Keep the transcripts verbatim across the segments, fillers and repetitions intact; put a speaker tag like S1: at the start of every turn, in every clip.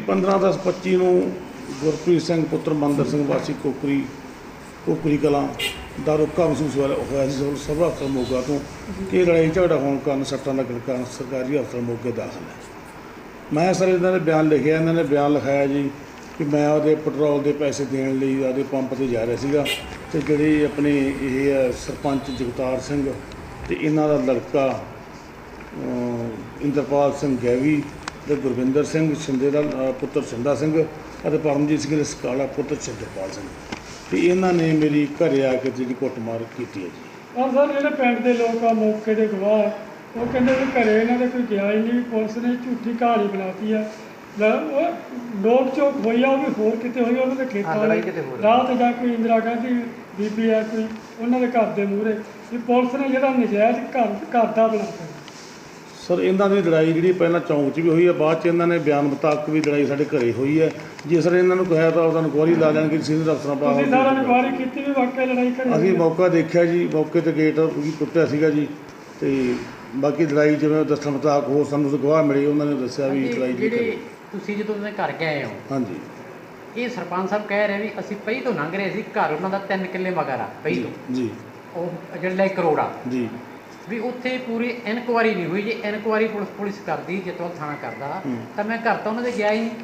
S1: ਪੰਦਰਾਂ ਦਸ ਪੱਚੀ ਨੂੰ ਗੁਰਪ੍ਰੀਤ ਸਿੰਘ ਪੁੱਤਰ ਮੰਦਰ ਸਿੰਘ ਵਾਸੀ ਕੋਕਰੀ ਕੋਕਰੀ ਕਲਾਂ ਦਾ ਰੋਕਾ ਮਹਿਸੂਸ ਹੋਇਆ ਸੀ ਸਭਾ ਹਸਪਤਾਲ ਮੋਗਾ ਤੋਂ ਕਿ ਲੜਾਈ ਝਗੜਾ ਹੋਣ ਕਾਰਨ ਸੱਟਾਂ ਲੱਗਣ ਕਾਰਨ ਸਰਕਾਰੀ ਹਸਪਤਾਲ ਮੋਗੇ ਦਾਖਲ ਹੈ। ਮੈਂ ਸਰ ਇਹਨਾਂ ਨੇ ਬਿਆਨ ਲਿਖਿਆ, ਇਹਨਾਂ ਨੇ ਬਿਆਨ ਲਿਖਾਇਆ ਜੀ ਕਿ ਮੈਂ ਉਹਦੇ ਪੈਟਰੋਲ ਦੇ ਪੈਸੇ ਦੇਣ ਲਈ ਉਹਦੇ ਪੰਪ 'ਤੇ ਜਾ ਰਿਹਾ ਸੀਗਾ ਅਤੇ ਜਿਹੜੇ ਆਪਣੇ ਇਹ ਹੈ ਸਰਪੰਚ ਜਗਤਾਰ ਸਿੰਘ ਅਤੇ ਇਹਨਾਂ ਦਾ ਲੜਕਾ ਇੰਦਰਪਾਲ ਸਿੰਘ ਗੈਵੀ ਅਤੇ ਗੁਰਵਿੰਦਰ ਸਿੰਘ ਸ਼ਿੰਦੇ ਦਾ ਪੁੱਤਰ ਸ਼ਿੰਦਾ ਸਿੰਘ ਅਤੇ ਪਰਮਜੀਤ ਸਿੰਘ ਸਕਾਲਾ ਪੁੱਤਰ ਸ਼ਿੰਦਰਪਾਲ ਸਿੰਘ ਅਤੇ ਇਹਨਾਂ ਨੇ ਮੇਰੀ ਘਰ ਆ ਕੇ ਜਿਹੜੀ ਕੁੱਟਮਾਰ ਕੀਤੀ ਹੈ ਜੀ।
S2: ਔਰ ਸਰ ਜਿਹੜੇ ਪਿੰਡ ਦੇ ਲੋਕ ਆ ਮੌਕੇ ਦੇ ਗਵਾਹ ਉਹ ਕਹਿੰਦੇ ਵੀ ਘਰੇ ਇਹਨਾਂ ਦੇ ਕੋਈ ਗਿਆ ਹੀ ਨਹੀਂ, ਪੁਲਿਸ ਨੇ ਝੂਠੀ ਕਹਾਣੀ ਬਣਾਤੀ ਆ। ਉਹ ਨੋਕ ਚੋਕ ਹੋਈ ਆ ਉਹ ਵੀ ਹੋਰ ਕਿਤੇ ਹੋਈ, ਉਹਨਾਂ ਦੇ ਖੇਤਾਂ ਵਾਲੇ ਰਾਤ ਜਾਂ ਕੋਈ ਇੰਦਰਾ ਗਾਂਧੀ ਬੀਬੀ ਆ ਕੋਈ ਉਹਨਾਂ ਦੇ ਘਰ ਦੇ ਮੂਹਰੇ ਵੀ ਪੁਲਿਸ ਨੇ ਜਿਹੜਾ ਨਜਾਇਜ਼ ਘਰ ਘਰ ਦਾ ਬਣਾਤਾ।
S1: ਸਰ ਇਹਨਾਂ ਦੀ ਲੜਾਈ ਜਿਹੜੀ ਪਹਿਲਾਂ ਚੌਂਕ 'ਚ ਵੀ ਹੋਈ ਹੈ, ਬਾਅਦ 'ਚ ਇਹਨਾਂ ਨੇ ਬਿਆਨ ਮੁਤਾਬਕ ਵੀ ਲੜਾਈ ਸਾਡੇ ਘਰੇ ਹੋਈ ਹੈ। ਜੇ ਸਰ ਇਹਨਾਂ ਨੂੰ ਕਿਹਾ ਤਾਂ ਉਹਨਾਂ ਨੂੰ ਗਵਾਹੀ ਲਾ ਲੈਣਗੇ ਸੀਨੀਅਰ ਅਫਸਰਾਂ ਬਾਹਰ।
S2: ਤੁਸੀਂ ਸਾਰਿਆਂ ਨੇ ਗਵਾਹੀ ਕੀਤੀ ਵੀ ਵਾਕਿਆ ਲੜਾਈ ਘਰੇ
S1: ਅਸੀਂ ਮੌਕਾ ਦੇਖਿਆ ਜੀ, ਮੌਕੇ 'ਤੇ ਗੇਟ ਵੀ ਟੁੱਟਿਆ ਸੀਗਾ ਜੀ ਅਤੇ ਬਾਕੀ ਲੜਾਈ ਜਿਵੇਂ ਦੱਸਣ ਮੁਤਾਬਕ ਹੋਰ ਸਾਨੂੰ ਗਵਾਹ ਮਿਲੇ ਉਹਨਾਂ ਨੇ ਦੱਸਿਆ ਵੀ ਲੜਾਈ
S3: ਜਿਹੜੀ ਤੁਸੀਂ ਜਦੋਂ ਉਹਨਾਂ ਦੇ ਘਰ ਗਏ ਹੋ,
S1: ਹਾਂਜੀ
S3: ਇਹ ਸਰਪੰਚ ਸਾਹਿਬ ਕਹਿ ਰਹੇ ਵੀ ਅਸੀਂ ਪਈ ਤੋਂ ਲੰਘ ਰਹੇ ਸੀ, ਘਰ ਉਹਨਾਂ ਦਾ ਤਿੰਨ ਕਿੱਲੇ ਮਗਰ ਆ ਪਈ ਤੋਂ
S1: ਜੀ
S3: ਉਹ ਜਿਹੜਾ ਇੱਕ ਕਰੋੜ ਆ
S1: ਜੀ
S3: ਵੀ ਉੱਥੇ ਪੂਰੀ ਇਨਕੁਆਰੀ ਨਹੀਂ ਹੋਈ। ਜੇ ਇਨਕੁਆਰੀ ਪੁਲਿਸ ਪੁਲਿਸ ਕਰਦੀ ਜਤਵਾਲ ਥਾਣਾ ਕਰਦਾ ਤਾਂ ਮੈਂ ਘਰ ਤਾਂ ਉਹਨਾਂ ਦੇ ਗਿਆ ਹੀ ਨਹੀਂ।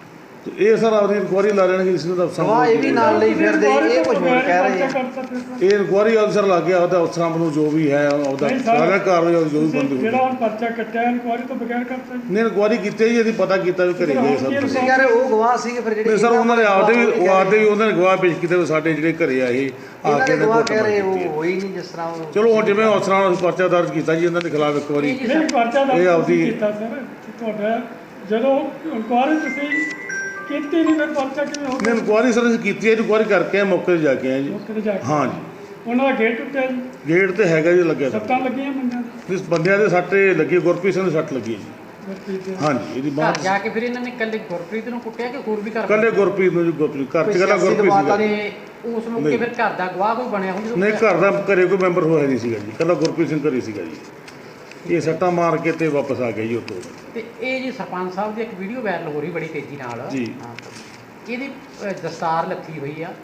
S1: ਇਹ ਸਰ ਆਪਣੀ ਇਨਕੁਆਰੀ ਲਾ ਲੈਣਗੇ ਸੀਨੀਅਰ ਅਫਸਰਾਂ
S4: ਇਹ ਵੀ ਨਾਲ ਲਈ ਫਿਰਦੇ ਇਹ ਕੁਝ ਹੋਰ ਕਹਿ ਰਹੇ ਆ।
S1: ਇਹ ਇਨਕੁਆਰੀ ਅਫਸਰ ਲੱਗ ਗਿਆ ਉਹਦਾ ਅਫਸਰਾਂ ਨੂੰ ਜੋ ਵੀ ਹੈ ਉਹਦਾ ਸਾਰਾ ਕਾਰਵਾਈ ਜੋ ਵੀ ਬੰਦ ਹੋਈ।
S2: ਜਿਹੜਾ ਹੁਣ ਪਰਚਾ ਕੱਟਿਆ ਇਨਕੁਆਰੀ ਤੋਂ ਬਗੈਰ ਕਰਤਾ ਜੀ।
S1: ਨਹੀਂ ਇਨਕੁਆਰੀ ਕੀਤੀ ਜੀ, ਅਸੀਂ ਪਤਾ ਕੀਤਾ ਵੀ ਘਰੇ ਗਏ ਸਭ।
S4: ਤੁਸੀਂ ਕਹਿ ਰਹੇ ਉਹ ਗਵਾਹ ਸੀਗੇ ਫਿਰ ਜਿਹੜੇ
S1: ਸਰ ਉਹਨਾਂ ਨੇ ਆਪਦੇ ਵੀ ਉਹ ਆਪਦੇ ਵੀ ਉਹਨਾਂ ਨੇ ਗਵਾਹ ਪੇਸ਼ ਕੀਤੇ ਸਾਡੇ ਜਿਹੜੇ ਘਰੇ ਆਏ ਆ ਕੇ
S4: ਗਵਾਹ ਕਹਿ ਰਹੇ ਉਹ ਹੋਈ ਨਹੀਂ ਜਿਸ ਤਰ੍ਹਾਂ ਉਹ।
S1: ਚਲੋ ਹੁਣ ਜਿਵੇਂ ਅਫਸਰਾਂ ਨੂੰ ਪਰਚਾ ਦਰਜ ਕੀਤਾ ਜੀ ਇਹਨਾਂ ਦੇ ਖਿਲਾਫ ਇੱਕ ਵਾਰੀ
S2: ਨਹੀਂ ਪਰਚਾ ਦਰਜ
S1: ਇਹ ਆਪਦੀ
S2: ਕੀਤਾ ਸਰ ਤੁਹਾਡਾ ਜਦੋਂ ਇਨਕੁਆਰੀ ਤੁਸੀਂ ਕੀਤੀ ਨਹੀਂ ਫਿਰ ਪਰਚਾ ਕਿਵੇਂ ਹੋ ਗਿਆ?
S1: ਇਨਕੁਆਰੀ ਸਰ ਅਸੀਂ ਕੀਤੀ ਹੈ, ਇਨਕੁਆਰੀ ਕਰਕੇ ਮੌਕੇ 'ਤੇ ਜਾ ਕੇ ਆਏ ਜੀ।
S2: ਮੌਕੇ ਤੇ ਜਾ ਕੇ
S1: ਹਾਂ ਜੀ
S2: ਉਹਨਾਂ ਦਾ ਗੇਟ ਟੁੱਟਿਆ ਜੀ,
S1: ਗੇਟ ਤੇ ਹੈਗਾ ਜੀ ਲੱਗਿਆ ਸਰ।
S2: ਸੱਟਾਂ ਲੱਗੀਆਂ ਬੰਦਿਆਂ ਦੇ
S1: ਇਸ ਬੰਦਿਆਂ ਦੇ ਸੱਟੇ ਲੱਗੀ, ਗੁਰਪ੍ਰੀਤ ਸਿੰਘ ਦੇ ਸੱਟ ਲੱਗੀ ਹੈ ਜੀ।
S2: ਗੁਰਪ੍ਰੀਤ ਦੇ।
S1: ਹਾਂਜੀ ਇਹਦੀ
S3: ਘਰ
S1: ਬਾਤ
S3: ਜਾ ਕੇ ਫਿਰ ਇਹਨਾਂ ਨੇ ਇਕੱਲੇ ਗੁਰਪ੍ਰੀਤ ਨੂੰ ਕੁੱਟਿਆ ਕਿ ਹੋਰ ਵੀ ਘਰ
S1: ਕੱਲੇ ਗੁਰਪ੍ਰੀਤ ਨੂੰ ਜੀ, ਗੁਰਪ੍ਰੀਤ ਘਰ 'ਚ ਕੱਲਾ ਗੁਰਪ੍ਰੀਤ ਸੀਗਾ।
S3: ਤੇ ਉਸ ਮੌਕੇ ਫਿਰ ਘਰ ਦਾ ਗਵਾਹ ਕੋਈ ਬਣਿਆ ਹੁਣ ਜਦੋਂ
S1: ਨਹੀਂ ਘਰ ਦਾ ਘਰੇ ਕੋਈ ਮੈਂਬਰ ਹੋਇਆ ਨਹੀਂ ਸੀਗਾ ਜੀ, ਕੱਲਾ ਗੁਰਪ੍ਰੀਤ ਸਿੰਘ ਘਰੇ ਸੀਗਾ ਜੀ। ਇਹ ਸੱਟਾਂ ਮਾਰ ਕੇ ਤੇ ਵਾਪਸ ਆ ਗਏ ਜੀ ਉੱਥੋਂ।
S3: ਤੇ ਇਹ ਜੀ ਸਰਪੰਚ ਸਾਹਿਬ ਦੀ ਇੱਕ ਵੀਡੀਓ ਵਾਇਰਲ ਹੋ ਰਹੀ ਬੜੀ ਤੇਜ਼ੀ ਨਾਲ
S1: ਜੀ।
S3: ਇਹਦੀ ਅ, ਦਸਤਾਰ ਲੱਥੀ ਹੋਈ ਆ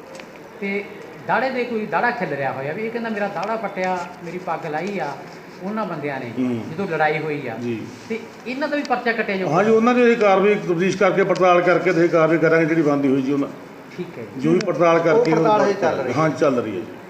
S3: ਤੇ ਦਾੜੇ ਦੇ ਕੋਈ ਦਾੜਾ ਖਿਲ ਰਿਹਾ ਹੋਇਆ ਵੀ ਇਹ ਕਹਿੰਦਾ ਮੇਰਾ ਦਾੜਾ ਪੱਟਿਆ, ਮੇਰੀ ਪੱਗ ਲਾਈ ਆ ਉਹਨਾਂ ਬੰਦਿਆਂ ਨੇ ਜਦੋਂ ਲੜਾਈ ਹੋਈ ਆ
S1: ਜੀ
S3: ਤੇ ਇਹਨਾਂ ਦਾ ਵੀ ਪਰਚਾ ਕੱਟਿਆ ਜਾਊਗਾ।
S1: ਹਾਂਜੀ ਉਹਨਾਂ ਦੀ ਇਹ ਕਾਰਵਾਈ ਤਬਦੀਸ਼ ਕਰਕੇ ਪੜਤਾਲ ਕਰਕੇ ਤੇ ਇਹ ਕਾਰਵਾਈ ਕਰਾਂਗੇ ਜਿਹੜੀ ਬੰਦੀ ਹੋਈ ਜੀ ਉਹਨਾਂ
S3: ਠੀਕ ਹੈ ਜੀ।
S1: ਜੋ ਵੀ ਪੜਤਾਲ ਕਰਕੇ
S4: ਉਹ ਪੜਤਾਲ ਹਜੇ ਚੱਲ ਰਹੀ ਹੈ।
S1: ਹਾਂ ਚੱਲ ਰਹੀ ਹੈ ਜੀ।